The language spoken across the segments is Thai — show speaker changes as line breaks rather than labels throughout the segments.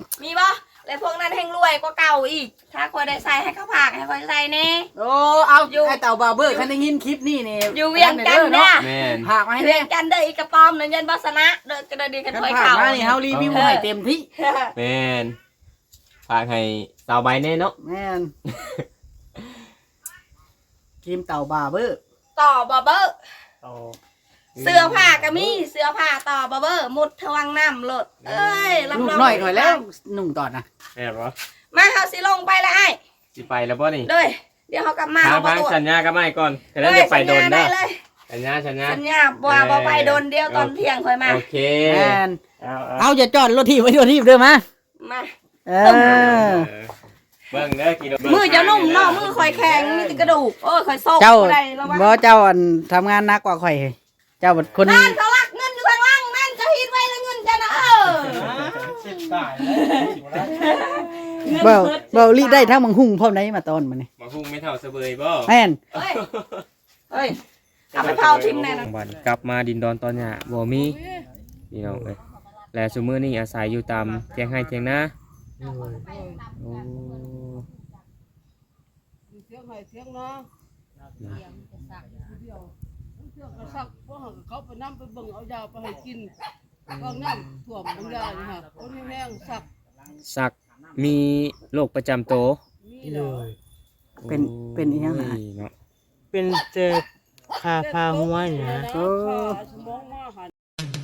มีบ่แล้วพวกนั้นแห่งรวยกว่าเก่าอีกถ้าคอยได้ใส่ให้เขาผากให้คอยใส่แน่
โอ้เอาไอ้เต่าบาเบอร์คันได้ยินคลิปนี่นี่
อยู่เวียงจันทน์เนี่ย
ผากมาให้
เวียงจันทน์เด้ออีกระป๋อมนั่นยันบอสนะเด้อกระดีกันถอยเข่า
นี่เฮารีวิวให้เต็มที่
แม่นฝากให้สาวใบแน่เนาะ
แม่นกิมเต่าบาเบอร์
ต่อบอเบอร์เสื้อผ้าก็มีเสื้อผ้าต่อบอเบอร์มุดทวังน้ำหลดเอ้ย
ลูกน้อยหน่อยแล้วนุ่งตอดนะ
แม่นบ่
มาเฮาสิลงไปแล้วไอ้
สิไปแล้วบ่นี่
เลยเดี๋ยวเฮากลับมา
เอาประตูสัญญากับไม้ก่อนจะได้ไปโดนเด้อสัญญา
บ่ไปโดนเดียวตอนเที่ยงค่อยมา
โอเค
แม่นเอาจะจอดรถที่ไว้รถที่เด้อมา
เบิ่งเด้อกิโล
มือจะนุ่มเนาะมือข่อยแข็งมีแต่กระดูกโอ้ยข่อยโซก
ได้ระวังบ่เจ้าทำงานหนักกว่าข่อยเจ้าคน
นั่นเขาลักเงินอยู่ข้างล่างนั่นจะฮิดไว้แล้วเงินจะนะ
เบาลีได้ทั้งมังหุ่งพร้อมไหนมาตอนมันนี่
มังหุ่งไม่เท่าเสบยบ่
แม่น
เฮ้ยเอาไปเผาทิ้งแน่นะ
วันกลับมาดินดอนตอนเนี่ยบ่มีพี่น้องเอ้ยและซุมื้อนี้อาศัยอยู่ตามเถียงให้เถียงนาโอ้
เสียงให้เสียงเนาะเสียงกระซักพวกเขาไปน้ำไปเบิ่งเอายาไปให้กินก็น้ำท่วมบางอย่างนี่ฮะคนแห้ง
สักมีโรคประจำตัว
เลย
เป็นอีหยัง
เนาะ
เป็นเจ็บขาพาหัวเนี่ยสมองมาหัน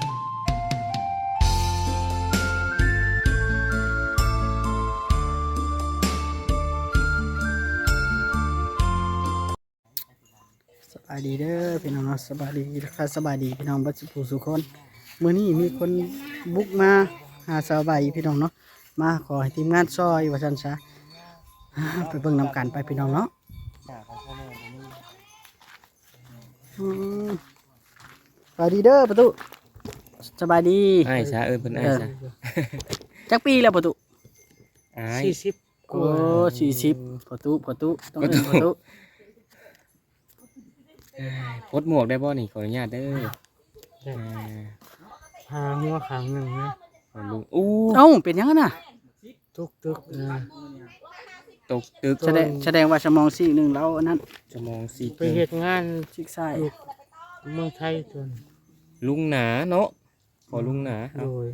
สบายดีเด้อพี่น้องสบายดีค่ะสบายดีพี่น้องบัดผู้สุคนมื้อนี้มีคนบุกมาหาสาวใบพี่น้องเนาะมาขอให้ทีมงานซอยว่าซั่นซะไปเบิ่งนำกันไปพี่น้องเนาะสบายดีเด้อประตูสบายดี
ไอ้ซะเพิ่นไอ้ซะ
จักปีแล้วประตู
40
โอ้40ประตูต้องเป็นประตู
พดหมวกได้บ่นี่ขออนุญาตเด้อ
หาหัวขางหนึ่งนะ
ลุงอู้
เอ้าเป็นยังไงน่ะ
ตุกตึก
แสดงว่าสมองซีกหนึ่งแล้วนั้น
สมองซีก
ไปเหตุงาน
ซีกซ้าย
เมืองไทยจน
ลุงหนาเนาะขอลุงหนา
โดย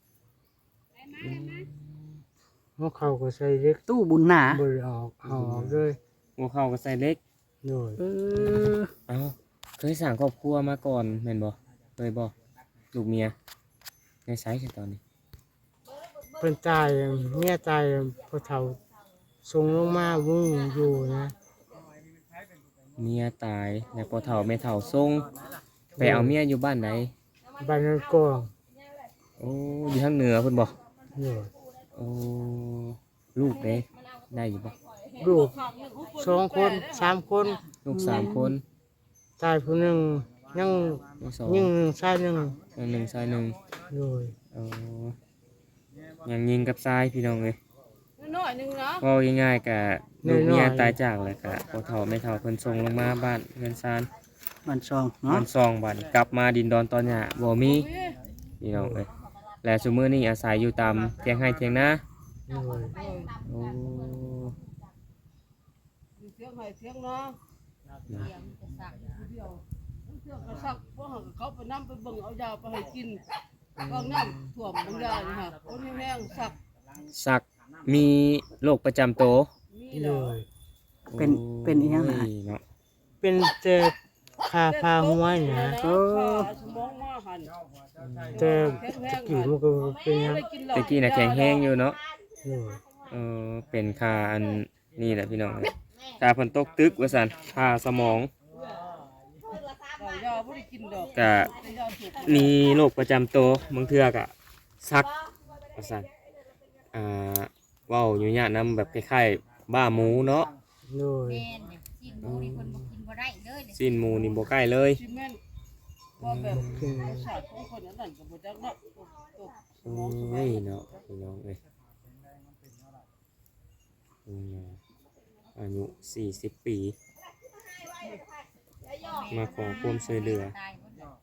หัวเข่าก็ใส่เล็ก
ตู้บุญหนา
บริออกเลย
หัวเข่าก็ใส่เล็ก
โดย
เอาเคยสั่งครอบครัวมาก่อนแม่นบ่เคยบ่ลูกเมียในไซส์ตอนนี้
เป็นใจเมียใจพอเท่าทรงลงมาวุ่งอยู่นะ
เมียตายแล้วพอเฒ่าไม่เฒ่าทรงไปเอาเมียอยู่บ้านไหน
บ้านนั้นกอง
โอ้อยู่ทางเหนือเพิ่นบ่โอ้ลูกได้อยู่บ่
ลูก2 คน3 คน
ลูก3 คน
ตายผู้หนึ่งยังชายหนึ่ง
ชายหนึ่ง
โดย
ยังยิงกับทรายพี่น้องเลย
น้อยนึงเนาะ
ว่าง่ายๆกับลูกเมียตายจากเลยกับพอเฒ่าไม่เฒ่าเพิ่นส่งลงมาบ้านเงินซาน
บ้านซองเนาะ
บ้านซองบ้านกลับมาดินดอนตอนหญ้าบ่มีพี่น้องเลยและซุมื้อนี้อาศัยอยู่ตามเถียงให้เถียงนาโอ้
เสียงให้เสียงเนาะเสียงกระซักพวกเขาไปน้ำไปเบิ่งเอายาไปให้กินก็น้ำท่วมบางอย่างนี่ฮะคนแห้ง
สักมีโรคประจำตัว
เลย
เป็นอีหยัง
เนาะ
เป็นเจ็บขาพาหัวเนี่ยสมองมาหันเจ็บกี่มันก็เป็นยัง
ตะกี้น่ะแข็งแห้งอยู่เนาะเป็นคาอันนี่แหละพี่น้องคาเพิ่นตกตึกว่าซั่นคาสมองก็มีโรคประจำตัวบางเทื่อก็ซักว่าซั่นเว้าอยู่ญาตินำแบบคล้ายๆบ้าหมูเนาะสิ้นหมูนี่บ่ใกล้เลยโอ้ยเนาะพี่น้องเอ้ยอายุ40 ปีมาขอความช่วยเหลือ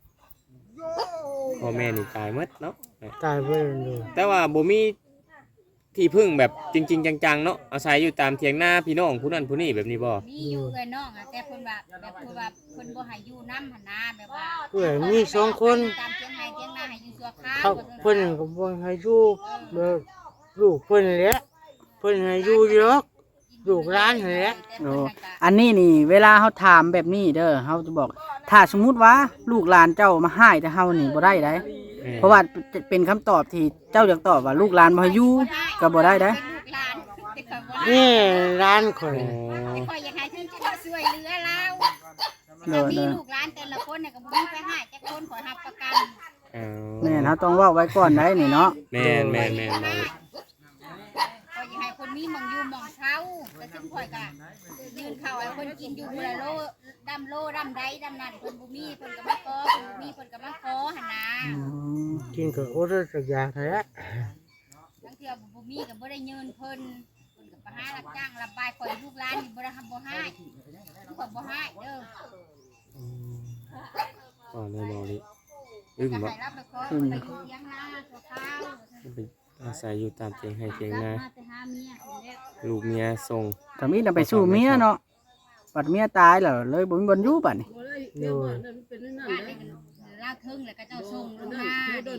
พ่อแม่นี่ตายหมดเนาะ
ตายไปเลย
แต่ว่าบ่มีที่พึ่งแบบจริงๆจังๆเนาะอาศัยอยู่ตามเถียงนาพี่น้องผู้นั้นผู้นี้แบบนี้บ่
มีอยู่เอ้ยน้องอะแต่เพิ่นว่าแบบเพิ่นว่าเพิ่นบ่ให้อยู่นำหั่นนะแบบว่า
เพื่อนมี2คน
ตามเถียงไห้เถียงนาให้อยู่ชั่วคราว
เขาเพิ่นก็บ่ให้อยู่แบบลูกเพิ่นแหละเพิ่นให้อยู่เยอะลูกหลานนั่นแหละ
โอ้อันนี้นี่เวลาเฮาถามแบบนี้เด้อเฮาจะบอก ถ้าสมมุติว่าลูกหลานเจ้ามาให้แต่เฮานี่บ่ได้เด้เพราะว่าเป็นคำตอบที่เจ้าอยากตอบว่าลูกหลานบ่ให้อยู่ก็บ่ได้เด้
เป็นลูกหลานแต่ข่อยบ่ได้
นี่ร้านข่อย
แต่ข่อยอยากให้เพิ่นจะช่วยเหลือเรา
โด
ถ้า
ด
มี
เด้อ
ลูกหลานแต่ละคนน่ะก็บ่มีไปให้จักคนข่อยรับประกัน
แม่นเฮาต้องเว้าไว้ก่อนได้นี่เนาะ
แม่น
ข่อยอยากให้คนมีหม่องอยู่หม่องเช่าแต่ซึ่งข่อยก็ยืนเข้าให้คนกินอยู่มื้อละโลดำใดดำนั่นเพิ่นบ่มีเพิ่นก็มาขอเพิ่นบ่มีเพิ่นก็มาขอหั่นนะ
กินก็อดสักอย่างแท้
บางเทื่อบ่มีก็บ่ได้เงินเพิ่นก็ไปหารับจ้างรับบายข่อยลูกหลานนี่บ่ได้ทำบ่ให้ข่อยบ่ให้เด้อ
อ๋อในบ่นี่อึ้ง
จะ
บ่
ให้รับไปขอไปอยู่เถียงนาชั่วคราว
ไปอาศัยอยู่ตามเถียงให้เถียงนา
มาแต่หาเมียคนแล้ว
ลูกเมียส่ง
ถ้ามีน่ะไปสู้เมียเนาะบัดเมียตายแล้วเลยบ่มีบ่อยู่บัดนี้
โดย
บ้านนี่ลาวถึงแล้วก็เจ้าส่งลงมา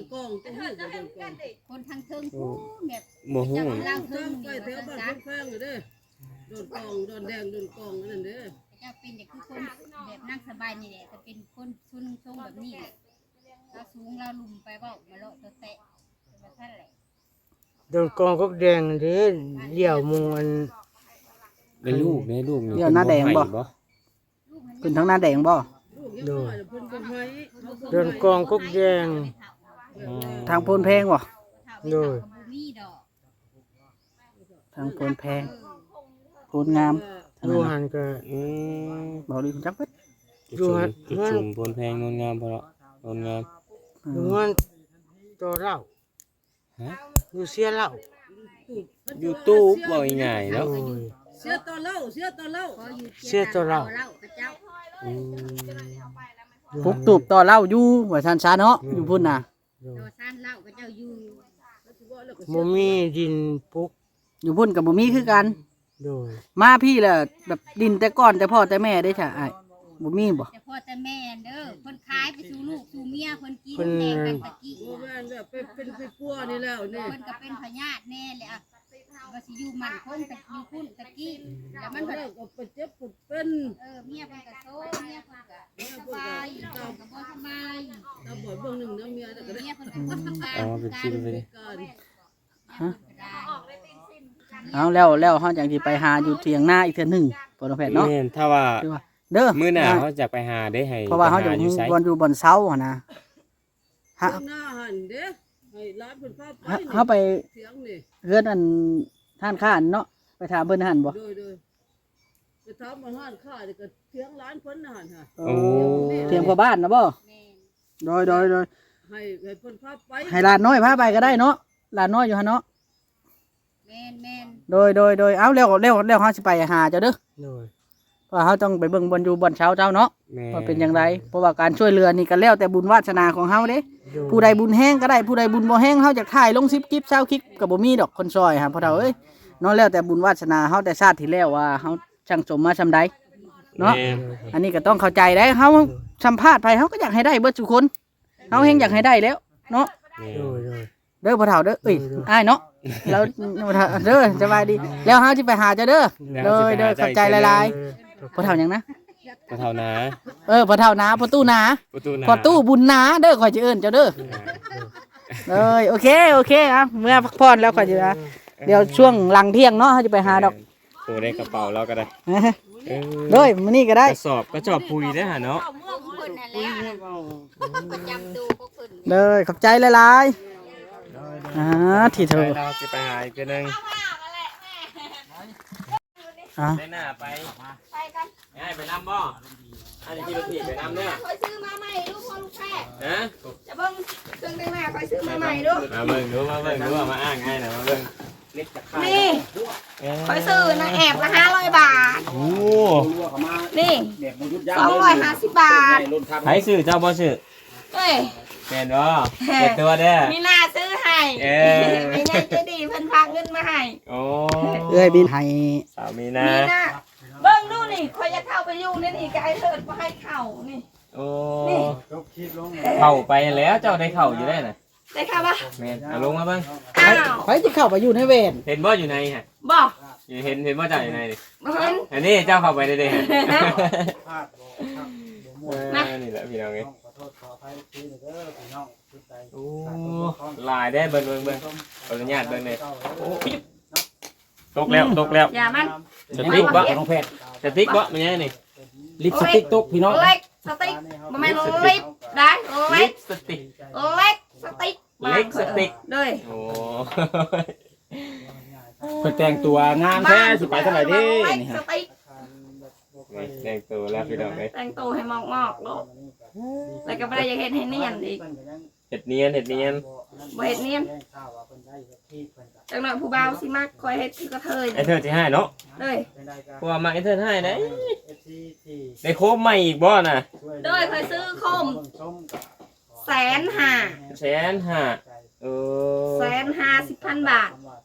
คนทางถึงผู้แบบ
บ่ฮู้
ลาวถึง
ไป
นี่
แถวบ้าน
จ้ะ
แฟงๆอยู่เด้โดนกองโดนแดงโดนกองนั่นเด้อ
เจ้าเป็นอย่างคือคนแบบนั่งสบายนี่แหละแต่เป็นคนชุนทรงแบบนี้แหละเราสูงเราลุ่มไปเว้ามาเลาะตัวแตะแบบนั้นแหละ
โดนกองก็แดงเด้เลี้ยวมุงอัน
ได้ลูกได้ลูกนี่
เดี๋ยวหน้าแดงบ่ ขึ้นทางหน้าแดงบ่
ลูกยังน้อยเพิ่นบ่ให้เขาบ่
โดนกองก็แดง
ทางโพนแพงบ่
โดย
มีดอก
ทางโพนแพงโพนงาม
ดูหันก็
อืม
บ่ดีจักเบิด
จุดจุ่มบนแพงงดงามพอละงดงาม
ดูมันตัวเหล้า
ฮะ
ดูเสียเหล้า
ยูทูบบ่ง่ายๆ
โด
เนาะ
ย
เสียต่อเล่าเสียต่อเล่า
ขออยู่
เสียตัวเรา
เราพระเจ้า
อืม
ปุกตูบต่อเหล้าอยู่ว่าซั่นซะเนาะอยู่พุ่นน่ะ
โดย
ตัวซ่านเล่าพระเจ้าอยู่
บ่มีดินปลูก
อยู่พุ่นก็บ่มีคือกัน
โดย
มาพี่แหละแบบดินแต่ก่อนแต่พ่อแต่แม่ได้จ้ะอ้ายบ่มีบ่
แต่พ่อแต่แม่เด้อเพิ่นขายไปสู่ลูกสู่เมียเพิ่นกินแดงกันตะกี้
บ่แม่นแบบเป็นไปปัวนี่แล้วนี่
เพิ่นก็เป็นพญาติแน่เลยอ่ะว่าสิอยู่มั่นคงแต่อยู่พุ่นตะกี้แล้วมัน
มัน
เพิ่น
แล้วก็ไปเจ็บปวดเป็น
เมียเพิ่นก็โซเมียเพิ่นก็สบายเพิ่นก็บ่สบาย
ตาบอดเบิ่งหนึงนะเมียแต่ก็ได้
เมียเพิ่นก็บ่สบาย
อ๋อเป็นชิ้นไปเลย
การ
เอาแล้วเฮาจังสิไปหาอยู่เถียงนาอีกเทื่อหนึงพ่อน้องแพทย์เนาะ
แม่นถ้าว่า
คือว่าเด้อ
มื้อหน้าเขาจะไปหาได้ให้
เพราะว่าเฮาจะ
ไปหอยู่ไส
บ่อยู่บนเสาหั่นนะฮะ
เจ้าหน้าหันเด้ให้ร้านเพิ่นพาไป
เฮาไป
เสียงนี่
เฮือนอันท่านข้านเนาะไปถามเพิ่นหั่นบ่
โดยไปถามมาห้านข้านี่ก็เสียงร้านเพิ่นน่ะหั่นฮะ
โอ้เถียงพ่อบ้านนะบ่โดย
ให้เพิ่นพาไป
ให้หลานน้อยพาไปก็ได้เนาะหลานน้อยอยู่หั่นเนาะ
แม่น
โดยเอาเร็วเฮาสิไปหาเจ้าเด้อ
โดย
เพราะเฮาต้องไปเบิ่งบนอยู่บนเช้าเจ้าเนาะ
แม่
ว่าเป็นจังไดเพราะว่าการช่วยเหลือนี่ก็แล้วแต่บุญวาสนาของเฮาเด้
โดย
ผู้ใดบุญแห้งก็ได้ผู้ใดบุญบ่แห้งเฮาจะถ่ายลง10คลิป20คลิปก็บ่มีดอกคนซอยฮะพ่อเฒ่าเอ้ยเนาะแล้วแต่บุญวาสนาเฮาแต่ชาติที่แล้วว่าเฮาช่างสมมาซำใดเนาะ
แม่
อันนี้ก็ต้องเข้าใจได้เฮาสัมภาษณ์ไปเฮาก็อยากให้ได้เบิดทุกคนเฮาแฮงอยากให้ได้แล้วเนาะ
แม่
โดย
เด้อพ่อเฒ่าเด้อเอ้ยอ้ายเนาะแล้วพ่อเฒ่าเด้อสบายดีแล้วเฮาสิไปหาเจ้าเด้อเด้อเข้าใจหลายๆพ่อเฒ่าหยังนะ
ก็เท่านะ
พ่อเฒ่านาพ่อตู้นา
ประตูนา
พ่อตู้บุญนาเด้อข่อยสิเอิ้นเจ้าเด้อโอเคอ่ะเมื่อพักผ่อนแล้วข่อยสิเดี๋ยวช่วงหลังเที่ยงเนาะเฮาจะไปหาดอก
โอ้ได้กระเป๋าแล้วก็ได้เออ
เด้อมื้อนี้ก็ได้
กระสอบปุ๋ยได้หาเนาะ
เมืองเพิ่นน่ะแล้วประจำตัวพวกเพิ่น
เด้อขอบใจหลายๆที่เธอ
เราจะไปหาอีกทีนึง ได้หน้าไป
ไปกัน
ให้ไปนำบ่อันนี้ที่รถถีบไปนำเนี่ย
คอยซื้อมาใหม่ลูกพ่อลูกแพทย์
นะ
จะเบิ่งเครื่องแต่งหน้าคอยซื้อมาใหม่ดู
มาเบิ่งดูมาอ้างให้หน่อยมาเบิ่งเล็กจะขาด
นี่คอยซื้อนะแอบละ500 บาท
โอ้
นี่250 บาท
ใครซื้อเจ้าบ่ซื้อ
เอ้ย
แม่นบ่เปิดตัวเด้อ
มีหน้าซื้อให้
เออ
ไม่ใช่จะดีเพิ่นพากเงินมาให้
โอ้
เอ้ยบินให้
สาวมีนา
มีหน้าเบิ่งดูนี่คอยจะเข้าไปอยู่นี่นี่ก็ไอ้เถิดบ่ให้เข้านี่
โอ้
นี่
เข้าไปแล้วเจ้าได้เข้าอยู่ได้น่ะ
ได้เข้าปะ
แม่นเอาลงมาเบิ่ง
อ้าว
ไปจะเข้าไปอยู่ในเวร
เห็นบ่อยู่ในฮะ
บ่
เห็นบ่เจ้าอยู่ในนี่
บ่เห็น
อันนี้เจ้าเข้าไปได้เด้ฮะ
นะ
นี่แหละพี่น้องเอ้ยโอ้ลายได้เบิ่งขออนุญาตเบิ่งหน่อยโอ้ปิ๊บตกแล้ว
อย่ามัน
สติ๊กบ่
น้องเพชร
สติ๊กบ่มันยังนี่
ลิปสติกตกพี่น้อง
เล็กสติ๊กบ่แม่นลิปได้เล็
ลิ
ก
ปสติ๊ก
เล็กสติ๊ก
เล็กสติ๊ก
เลย
โอ้
เพิ่นแต่งตัวงามแท้สิไปเท่าไหร่เด้
เล็ก
นี่
ส
ฮะ
ติ๊ก
แต่งตัวแล้วพี่น้องเอ้ย
แต่งตัวให้มอกๆโลดแล้วก็บ่ได้อยากเฮ็ดให้เนียนอีก
เห็ดเนียน
บ่เฮ็ดเนียนจังหน่อยผู้บ่าวสิมักคอยเฮ็ดคือกระเทย
ไอ้เธอสิให้เนาะ
เลย
เพราะว่ามาไอ้เธอให้ได้ได้โคมใหม่อีกบ่น่ะ
โดยเคยซื้อโคม150,000
150,000เออ
150,000 บาท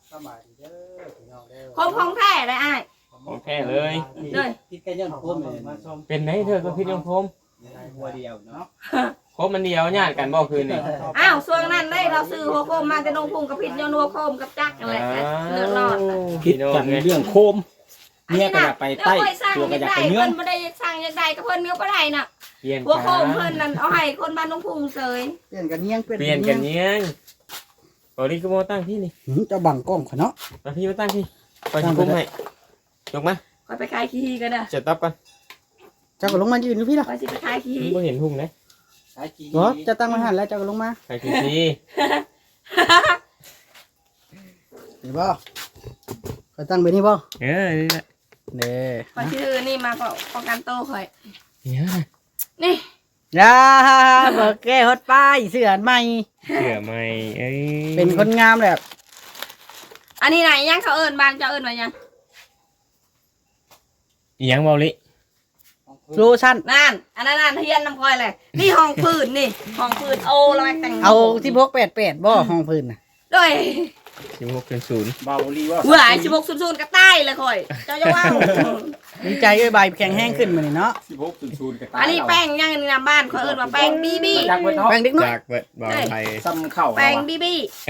โคมของแท้ได้อ้าย
ของแท้เลย
เลย
คิดกันยังโคมเลย
เป็นไหนเธอก็พิดยังโคม
หัวเดียวเนาะ
โคมมันเดียวญาติกันบ่คืนนี่
อ้าวส่วนนั้นได้เราซื้อหัวโคมมาแต่นงพุงกับพิษยนหัวโคมกับจักรอะไรเลือดรอด
คิดกันเรื่องโคมเมียก็อยากไปใต้ตัวก็อยากไปเนื้อ
เพิ่นบ่ได้สร้างอย่างใดก็เพิ่นเนื้อบ่ได้น่ะ
เปลี่ยน
หัวโคมเพิ่นนั่นเอาให้คนบ้านนงพุงเสย
เปลี่ยนกันเนียง
เปลี่ยนกันเนี้ยงบอดี้ก็โมตั้งที่นี่
เจะบังกล้องข่อยเนาะ
มาพี่มาตั้งที่ไปที่คุ้มให้ยกมา
คอยไปขายขี้ก็ได้
จะตับกัน
เจ้าก็ลงมายืนอยู่พี่ล่ะ
คอยสิไปขายขี้
บ่เห็นหุ่งเลย
บ่จะตั้งมาหันแล้วเจ้าก็ลงมา
ใครคือซี
เห็นบ่ข่อยตั้งไปนี่บ่
นี่แหละ
เด้
คอยสิถือนี่มาป้องกันโตคอย
เนี่ย
นี่
อย่าบ่แก้ฮอดป้ายเสื้อใหม่
เสือใหม่เอ้ย
เป็นคนงามแบบ
อันนี้ไหนยังเขาเอิ้นบ้านเจ้าเอิ้นว่ายัง
อีหยังเบาลิ
โลชั่น
นั่นอันนั้นนั่นเฮียนน้ำคอยเลยนี่ห้องพื้นนี่ห้องพื้นโอ้เราไปแต่ง
เอา1688บ่ห้องพื้นน่ะ
ด้วย
16.0
เบาลีว่า
หวาย1600ก็ใต้เลยคอยเจ้าจะว่า
ดีใจเอ้ยใบแข็งแห้งขึ้นมานี่เนาะ
16.0กับ
อันนี้แป้งยังในบ้านเขาเอิ้นว่าแป้งบีบี
จากเบิดเนาะ
แบ่งเด็กน้อย
จากเบิดบอลไทย
ซ้ำเข้า
แป้งบีบี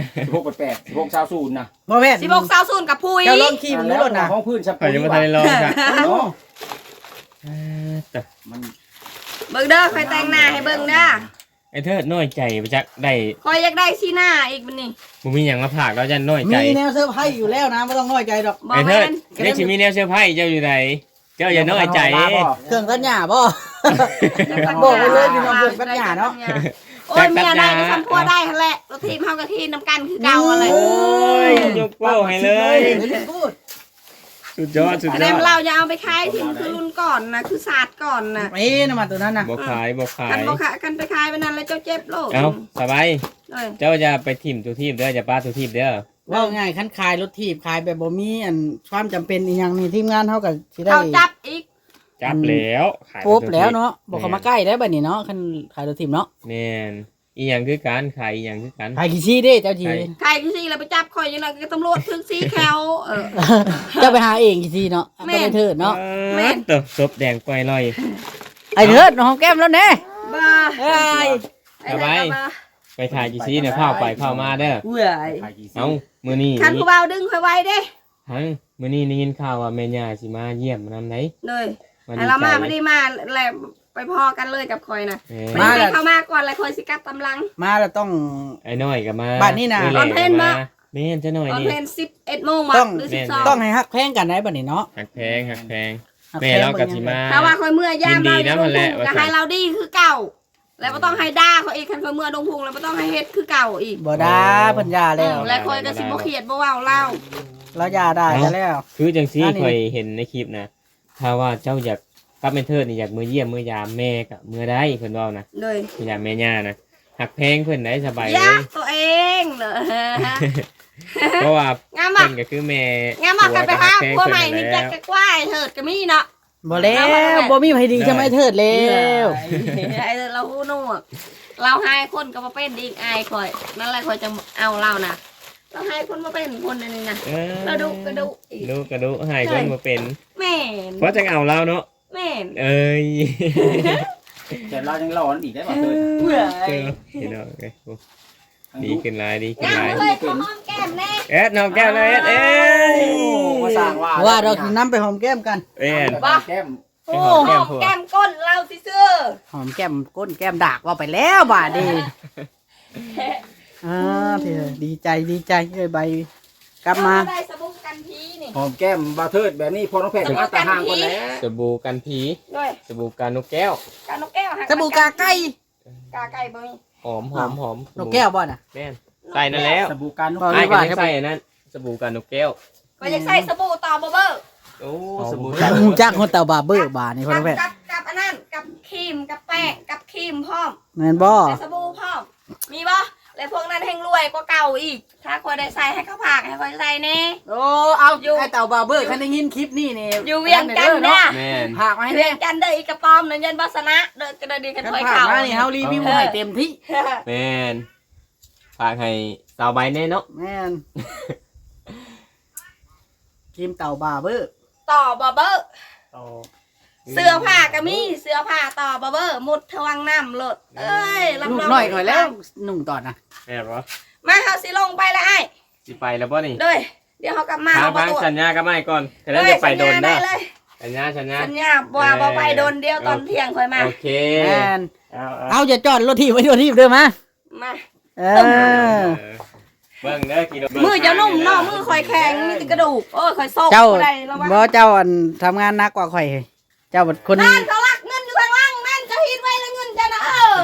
16.8 16.0นะ
บ่แม่น
1620กับพุย
เจ้าลองขี่มึงดูรถน่ะ
ห้องพื้นชับ
เขาจะมาทะเลลองจ้ะ
โอ้
แต่
มัน
เบิ่งเด้อคอยแต่งหน้าให้เบิ่งเด้อ
ไอ้เธอน้อยใจไปจักได้
คอยอยากได้สีหน้าอีกบัดนี้
บ่มีหยังมาผากแล้วจะน้อยใจ
มีแนวเซอร์ไพรส์อยู่แล้วนะไม่ต้องน้อยใจดอก
บ่
ไอ้เธ
แม่
อน นี่สิมีแนวเสื้อผ้าเจ้าอยู่ไหนเจ้าอย่าน้อยใจ
เครื่องตัดหญ้าบ่บอกไปเลยพี่น้องเครื่องตัดหญ้าเนาะ
โอ้ยเมียได้ก็ทำพัวได้หั่นแหละเราทีมเฮากับทีมนำกันคือเก่าอะไร
โอ้ยยกโป้ให้เลย
พูด
สุดยอดสุด
อัน
ย
นั้
อน ด
เราจะเอาไปขายทีมคือรุ่นก่อนนะคือศาสตร์ก่อนนะ
เอ้น้ำมันตัวนั้นน่ะ
บ่ขายบ่ขา
กัน
ย
บ่ขายกันไปขายไปนั้นแล้วเจ้าเจ็บโลก
เอาสบาย
เลย
เจ้าจะไปทีมตัวทีมเด้อจะป้าตัวทีมเด้อ
ว่าง่ายคันขายรถถีบขายแบบบ่มีอันความจำเป็นอีหยังนี่ทีมงานเฮาก็สิได้
เขาจับอีก
จับแล้วขาย
ปุ๊บแล้วเนาะบ่เข้ามาใกล้ได้บัดนี้เนาะคันขายรถถีบเนาะ
แม่นอีหยังคือการขายอีหยังคือการ
ขายกี่ซี่เด้เจ้าจี
ใครที่สิแล้วไปจับคอยยังไงก็ตำรวจถึงสีแคลเออ
เจ้าไปหาเองกี่ซี่เนาะ
แม่
ก็ไปเถิดเนาะ
แม่น
เติบศพแดงปล่อยลอย
ไอ้เถิดน้องแก้มแล้วแน่
บ้า
เอ้ย
ไอ้ไหนก็มา
ไปถ่ายกี่ซีเนี่ยเข้าไปเข้ามาเด้อ
เว้ย
เอ้ามื้อนี้
คันผู้เบาดึงคอยไว้เด้
ฮังมื้อนี้ได้ยินข่าวว่าแม่ย่าสิมาเยี่ยมนำไหน
เลย
มา
ไอ้
ดี
เรา
ใจ
มาไม่ได้มาแล้วไปพอกันเลยกับคอยนะ
แหม
ไม่ได้เข้ามาก่อนเลยคอยสิกลับตำลัง
มาแล้วต้อง
ไอ้น้อยก็มา
บ้านนี่น่ะ
แห
ตอนเพลง
ก็
มา
แม่นจะน้อย
ตอน
นี่
เพลง11 โมงมา
ต้อง
หรือ
แม่น
12
ต้องให้ฮักแพงกันได้บัดนี้เนาะ
หักแพงหักแพง
ฮัก
แม่
พง
เรากับสิมา
ถ้าว่าคอยเมื่อยาม
ยินดี
เรา
นะมันแหละว่า
ก็
ซั่น
ให้เราดีคือเก่า แล้วก็ต้องให้ด่าเขาอีกคันคอยเมื่อดงพุงแล้วก็ต้องให้เฮ็ดคือเก่าอีก
บ่ได้เพิ่นยาแล้ว
แล้วคอยก็สิบ่เครียดบ่เว้าเล่า
เรายาได้ซะแล้ว
คือจังซี่
อันนี้
เคยเห็นในคลิปนะถ้าว่าเจ้าอยากกลับแม่เทิดนี่อยากมือเยี่ยมมือยามแม่กับมือได้เพิ่นเว้านะ
เลย
มือยามแม่ย่านะหักแพงเพิ่นได้สบาย
อ
เล
ยาย กตัวเองเหรอ
เพราะว่าง
าม
เพิ่
อ่ะ
นก็คือแม่
งามอ่ะกันไปหา
ผั
พวก
ว
ใหม่
ก็
นี่
หั
จั
ก
ก
แพง
จะกว้ายเถิดก็มีเนาะ
บ่แล้วบ่มีไผดีใช่ไหมเถิดแล้ว
ไอ้เราหูหนวกเราให้คนก็มาเป็นดีอายคอยนั่นแหละคอยจะเอาเรานะเราให้คนมาเป็นคนอันนี้นะเราดูกระดูอีก
ดูกระดูหายคนมาเป็น
แม่น
เพราะจะเอาเราเนาะ
แม่น
เอ้ย
แต่เรายังร้อนอีกได้บ่เถิด
เบื่อ
เจอพี่น้องเอ้ยโอ้ดีขึ้นหลายดีขึ้น
ยัง
หลาย
เลยขอหอมแก้มแน่
เอ็ดน้องแก้วเลยเอ็ดเอ้ย
มาสร้างว่าเราสินำไปหอมแก้มกัน
เอ็ด
แก้ม
โอ้หอมแก้มก้นเราสิเสื้อ
หอมแก้มก้นแก้มดากว่าไปแล้วบาดนี้พี่ดีใจเอ้ยใบกลับมา
ได้สบู่กันพีนี่
หอมแก้มบาเทิดแบบนี้พอน้องแพทย์มาตาห่างคนแล้ว
สบู่กันผี
ด้วย
สบู่กันนกแก้ว
กานกแก้วหั
สบู่กาไก่
กาไก่บ่มี
หอมหอม
นกแก้วบ่น่ะ
แม่นใส่นั่นแล้ว
สบู่การนุก
บ่
ไอ้ก็ยังใส่อันนั้นสบู่กันนกแก้ว
ก็จะใส่สบู่ต่อบ่เบอร์
โอ้สบู่
หูจักคนเต่าบาเบอร์บานี่พ่อน้องแพทย์
กับอันนั้นกับครีมกับแป้งกับครีมพร้อม
แม่นบ่
ใส่สบู่พร้อมมีบ่แล้วพวกนั้นแห่งรวยกว่าเก่าอีก ถ้าคอยได้ใส่ให้เขาผากให้คอยใส่แน่
โอ้เอาไอ้เต่าบาเบอร์คันได้ยินคลิปนี่นี่
อยู่เวียงกันเด้อ
แม่น
ผากมาให้
เวี
แน่
ยงกันเด้ออีกกระป๋อมนั่นยันบัสนะเด้อกระดีกัน
กัน
คอย
ผาก
เข่า
มานี่เฮารีวิวให้เต็มที่
แม่นฝากให้สาวใบแน่เนาะ
แม่นครีมเต่าบาเบอร์
ต่อบ่เบอร์เสื้อผ้าก็มีเสื้อผ้าต่อบ่เบอร์มุดทวังน้ำโลดเอ้ยรับ
ลูก
รอง
น้อยก่อนแล้วหนุ่งตอนน่ะ
แม่นบ่
มาเฮาสิลงไปแล้วไอ้
สิไปแล้วบ่นี่
เด้อเดี๋ยวเฮากลับมา
ทาง
เอาบ่
ทาง
ตัว
สัญญาก็ไม่ก่อนแต่แล้วจะไปโดน
ได้
เด้อ
เลย
สัญญา
สัญญาบ่ไปโดนเดียวตอนเที่ยงค่อยมา
โอเค
แม่น
เอา
เอาจะจอดรถทีไว้รถทีเด้อมา
มา
เออ
เบิ่งเด้อกิโล
มือเจ้านุ่มเนาะมือคอยแข็งมีแต่กระดูกโอ้ยคอยโซก
เจ้า
บ่ได้ระวัง
บ่เจ้าอันทำงานหนักกว่าข่อยเจ้าเป็นคน
นั่นเขาลักเงินอยู่ข้างล่างนั่นจะฮิดไว้แล้วเงินจะนะ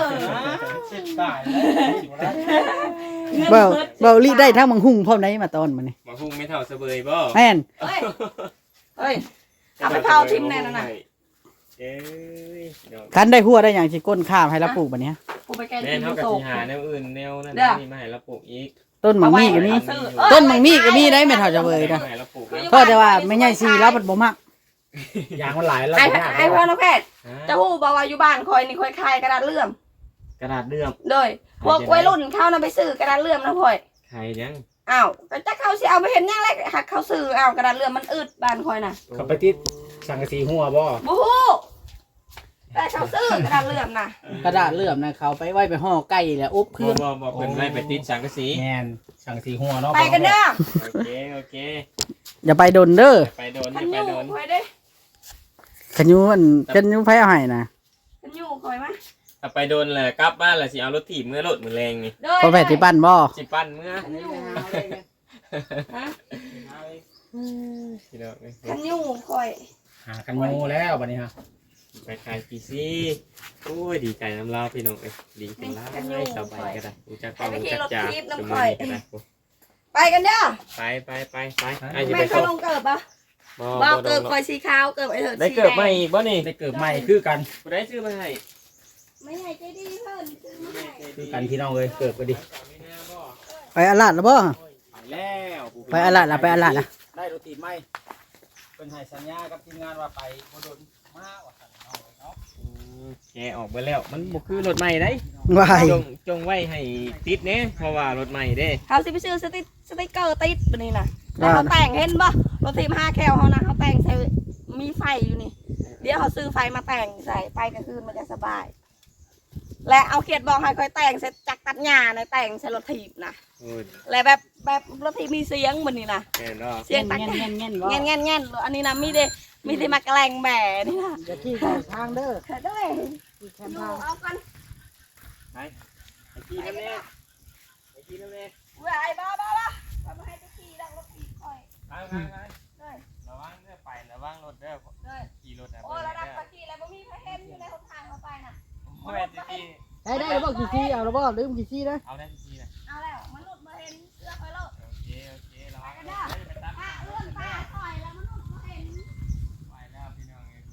เบาเบาลีได้ทั้งมังหุ่งพร้อมไหนมาตอนมันนี่
มาพุ่งไม่เท่าเสบยบ่
แม่น
เฮ้ยเฮ้ยเอาไปเผาทิมแน่นอนน่ะ
เอ้ยเดี๋ยว
คันได้หัวได้อย่างสิก้นข้ามให้เราปลูกบัดเนี้ย
กูไปแกง
แม่
กิน
เท่ากับ
โซ
สิ
ก
หาแนวอื่นแนวนั้น
เด้อ
นี่มาให้เราปลูกอีก
ต้นมังมีก็มีต้นมังมีก็มีได้แม่เท่าจะเบยนะ
ให้เราปลูก
เพราะแต่ว่าไม่ใช่สีแล้วมันบ่มัก
ยางมันหลายแล้ว
ไอ้พ่อน้องแพทย์จะฮู้บอกว่าอยู่บ้านคอยนี่คอยคายกระดาษเลื่อม
กระดาษเลื่อม
โดยพวกวัยรุ่นเข้านะไปซื้อกระดาษเลื่อมนะพ่อย
ใครยัง
อ้าวก็จะเข้าสิเอาไปเห็นยังแรกหักเขาซื้ออ้าวกระดาษเลื่อมมันอึดบ้านคอยน่ะ
เขาไปติดสังกะสีหัวบ่
บูฮู้แต่เขาซื้อกระดาษเลื่อมน่ะ
กระดาษเลื่อมนะเขาไปไว้ไปห่อไก่แล้วอบเค
บ่
รื่อง
บ่เพิ่นไม่ไปติดสังกะสี
แมนสังกะสีหัวเนาะ
ไปกันเด้อ
โอเค
อย่าไปโดนเด้อ
ไปโดน
ขัน
ไป
ยู
โดน
คอยเด้
ขยุนขยุไผเอาให้นะ
ขันยูคอยมา
ถ้าไปโดนแหละกลับบ้านแหละสิเอารถถีบเมื่อรถมือแรงนี่
โดย
พอแพทย์ที่ปั้นบ่
สิปั้นเมื่อ
ขันยูฮะ
พี่น้องเอ้ย
ขันยูคอย
หากันงูแล้วบัดนี้ฮะ
ไปขายพีซีโอ้ยดีใจน้ำลาวพี่น้องเอ้ยดีจังเลยสบายก็ได้รู้จักเป้ารู้จักจ่าสมุนก็ได้
ไปกันเด้อ
ไปไอ้จะ
แม่
ไป
เขา
ส่ง
ลงเกิบปะ
บ่
บ่
บ่
เกิบคอยสีขาวเกิบไอ้เถิด
ได้เกิดใหม่อีกบ่นี่
ได้เกิดใหม่คือกัน
บ่ได้ซื้อมาให้
ไม่ให้ใจดีเพิ่นซื้อมาให้
คือกันพี่น้องเลยเกิดก็ดี
ไปอาลาดแล้วบ่
ไปแล้ว
ไปอาลาดละไปอาลาดละ
ได้รถติดไหมเป็นให้สัญญากับทีมงานว่าไปบ่โดนมาว่าซั่นเอาไว้เนาะ
แกออกไปแล้วมันบ่คือรถใหม่ได้
วาย
จงไว้ให้ติดเน่เพราะว่ารถใหม่เด้
เขาสิไปซื้อสติ๊กเกอร์ติดปะนี่นะแล้วเขาแต่งเห็นปะรถทีม5 แคลเขานะเขาแต่งใส่มีไฟอยู่นี่ เดี๋ยวเขาซื้อไฟมาแต่งใส่ไปกลางคืนมันจะสบาย และเอาเขียดบอกให้คอยแต่งใส่จักรตัดหญ้าในแต่งใส่รถทีบนะ
โอ้ย
และแบบรถทีบมีเสียงมันนี่นะ
แม่นเนาะ
เสียงตัก
เงี้ยเงี้ยบ่
เงี้ยเงี้ยเงี้ยอันนี้นะมีได้มาแกล้งแหม่นี่นะ
จะขี้เข้าทางเด้อ
เธอด้วย
ขี้แคม
ดู
ทาง
เอากัน
ไอ้ขี้น้ำแน่ไอ้ขี้น้ำแน่
เว้ยไอ้บ้าทำให้ตะกี้ดังรถทีบคอย
ไประวังเด้อไประวังรถเด้อ
เลย
ขี่รถนะ
โอ้
เบิ่ง
ระดับ
เด้อ
ตะกี้แล้วบ่มีใครเห็นอยู่ในหนทางเขาไปน่ะ
โอ้ยตะกี้
ได้บ่กี่ซี่เอาแล้วบ่ลืมกี่ซี่นะ
เอาได้ตะกี้นะ
เอาแล้วมนุษย์มาเห็นเสื้อคอยโลด
โอเคระวัง
กัน
เด้
เด้
อ
อ
ไปตัด
ป้าเลื่อนป้าถอยแล้วมนุษย์มาเห็น
ไปแล้วพี่น้องเอ้ย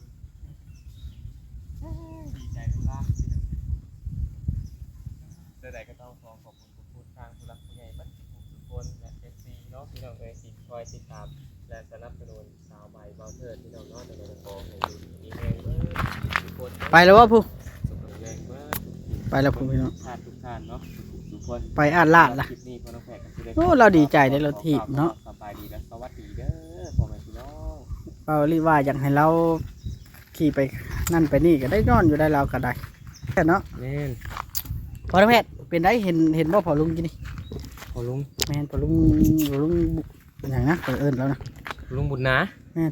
คุณดีใจทุลาพี่น้องเดี๋ยวใดก็ต้องขอขอบคุณผู้ทางผู้รักผู้ใหญ่บ้านทุกคนและ FC เนาะพี่น้องเอ้ยที่คอยติดตามและสนับสนุนสาวใบเบาเทิดพี่น้องเนาะในโรงเรียนของในมีแรงเบิดทุกคน
ไปแล้วบ่ผู้
สุขแรงเบิด
ไปแล้วผมพี่น้อง
ทุกท่านเนาะทุกคน
ไปอ่านลาดล่ะ
คลิปนี้พ่อน้องแพทย์ก็สิได้
โอ้เราดีใจได้เราถีบเนาะ
สบายดีและสวัสดีเด้อพ่อแม่พี่น้อง
เปารีว่าอยากให้เราขี่ไปนั่นไปนี่ก็ได้นอนอยู่ได้เราก็ได้แค่เนาะ
แม่น
พอน้องแพทย์เป็นได้เห็นบ่พอลุงกินนี่
พอลุง
แม่นพอลุงเป็นอย่างนะเปิดเอิญแล้วนะ
ลุงบุญนะ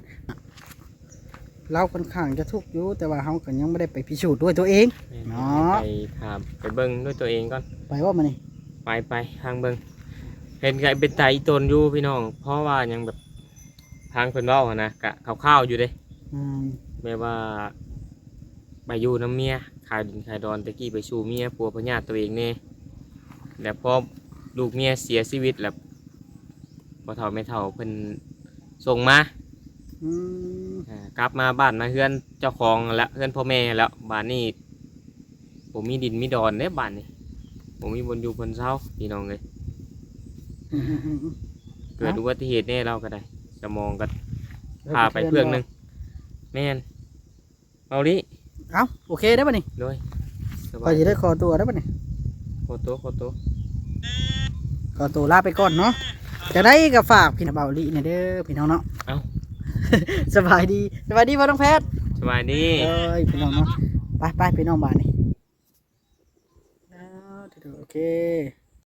เราค่อนข้างจะทุกข์อยู่แต่ว่าเขาก็ยังไม่ได้ไปพิสูจน์ด้วยตัวเอง
แม่น
เนาะ
ไปถามไปเบิ่งด้วยตัวเองก่อน
ไปว่ามานี่
ไปทางเบิ่งเห็นไงเป็นไตอีตนอยู่พี่น้องเพราะว่ายังแบบทางเพิ่นเว้าอะนะกะข้าวๆอยู่เด้
อืม
แม่ว่าไปอยู่น้ำเมียขายดินขายดอนตะกี้ไปสู่เมียปัวพญาติตัวเองแน่แล้วพอลูกเมียเสียชีวิตแล้วบ่เฒ่าไม่เฒ่าเพิ่นส่งมา
อืม
กลับมาบ้านมาเฮือนเจ้าของแล้วเฮือนพ่อแม่แล้วบ้านนี้ผมมีดินมีดอนเด้บ้านนี้ผมมีบนอยู่บนเสาพี่น้องเลย
อืม
เกิดอุบัติเหตุแน่เราก็ได้สมองก็พาไปเพื่องหนึงแม่นเอาดิ
เอาโอเคได้ป่ะนี่
โดยส
พ
บา
อย จะได้ขอตัวได้ป่ะนี่
โคโตะ
ขอตัวลาไปก่อนเนาะจะได้กับฝากพี่น้องเบาลีเนี่ยเด้อพี่น้องเนาะ
เอ้า
สบายดีพ่อน้องแพทย์
สบายดี
เอ้ยพี่น้องเนาะไปพี่น้องบ้านนี่โอเค